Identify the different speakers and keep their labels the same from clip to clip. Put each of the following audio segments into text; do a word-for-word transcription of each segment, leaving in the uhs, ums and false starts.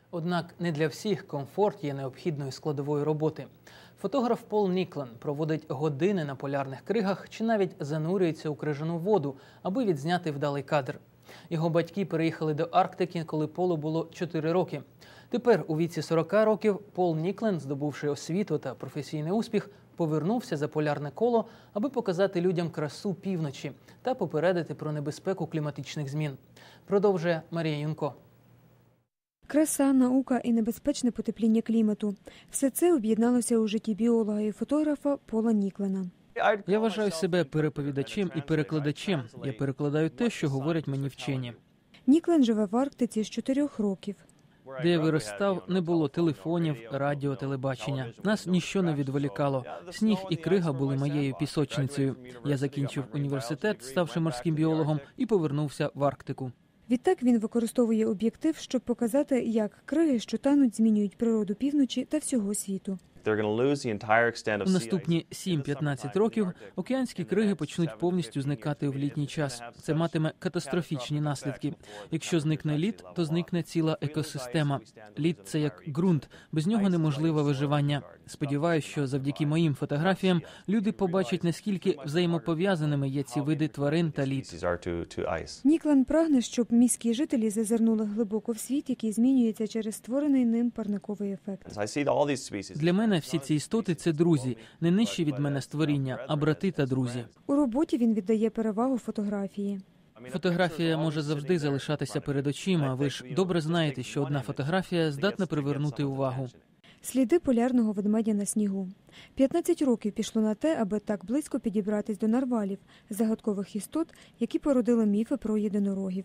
Speaker 1: Однак не для всіх комфорт є необхідною складовою роботи. Фотограф Пол Ніклен проводить години на полярних кригах чи навіть занурюється у крижану воду, аби відзняти вдалий кадр. Його батьки переїхали до Арктики, коли Полу було чотири роки. Тепер, у віці сорока років, Пол Ніклен, здобувши освіту та професійний успіх, повернувся за полярне коло, аби показати людям красу півночі та попередити про небезпеку кліматичних змін. Продовжує Марія Юнко.
Speaker 2: Краса, наука і небезпечне потепління клімату – все це об'єдналося у житті біолога і фотографа Пола Ніклена.
Speaker 1: Я вважаю себе переповідачем і перекладачем. Я перекладаю те, що говорять мені вчені.
Speaker 2: Ніклен живе в Арктиці з чотирьох років.
Speaker 1: Де я виростав, не було телефонів, радіо, телебачення. Нас ніщо не відволікало. Сніг і крига були моєю пісочницею. Я закінчив університет, ставши морським біологом, і повернувся в Арктику.
Speaker 2: Відтак він використовує об'єктив, щоб показати, як криги, що тануть, змінюють природу півночі та всього світу.
Speaker 1: У наступні сім-п'ятнадцять років океанські криги почнуть повністю зникати в літній час. Це матиме катастрофічні наслідки. Якщо зникне лід, то зникне ціла екосистема. Лід – це як ґрунт, без нього неможливе виживання. Сподіваюсь, що завдяки моїм фотографіям люди побачать, наскільки взаємопов'язаними є ці види тварин та лід.
Speaker 2: Ніклен прагне, щоб міські жителі зазирнули глибоко в світ, який змінюється через створений ним парниковий ефект.
Speaker 1: Для мене всі ці істоти – це друзі, не нижчі від мене створіння, а брати та друзі.
Speaker 2: У роботі він віддає перевагу фотографії.
Speaker 1: Фотографія може завжди залишатися перед очима. Ви ж добре знаєте, що одна фотографія здатна привернути увагу.
Speaker 2: Сліди полярного ведмедя на снігу. п'ятнадцять років пішло на те, аби так близько підібратись до нарвалів, загадкових істот, які породили міфи про єдинорогів.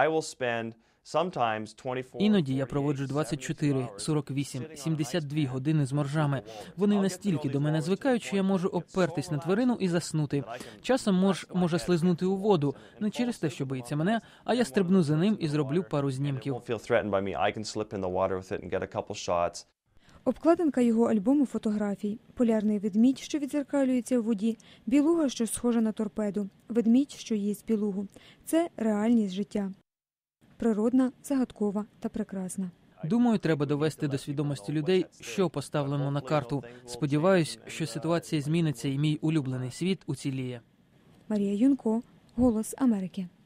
Speaker 1: Іноді я проводжу двадцять чотири, сорок вісім, сімдесят дві години з моржами. Вони настільки до мене звикають, що я можу обпертись на тварину і заснути. Часом морж може слизнути у воду, не через те, що боїться мене, а я стрибну за ним і зроблю пару знімків.
Speaker 2: Обкладинка його альбому фотографій. Полярний ведмідь, що відзеркалюється в воді, білуга, що схожа на торпеду, ведмідь, що їсть білугу. Це реальність життя. Природна, загадкова та прекрасна.
Speaker 1: Думаю, треба довести до свідомості людей, що поставлено на карту. Сподіваюсь, що ситуація зміниться і мій улюблений світ уціліє.
Speaker 2: Марія Юнко, «Голос Америки».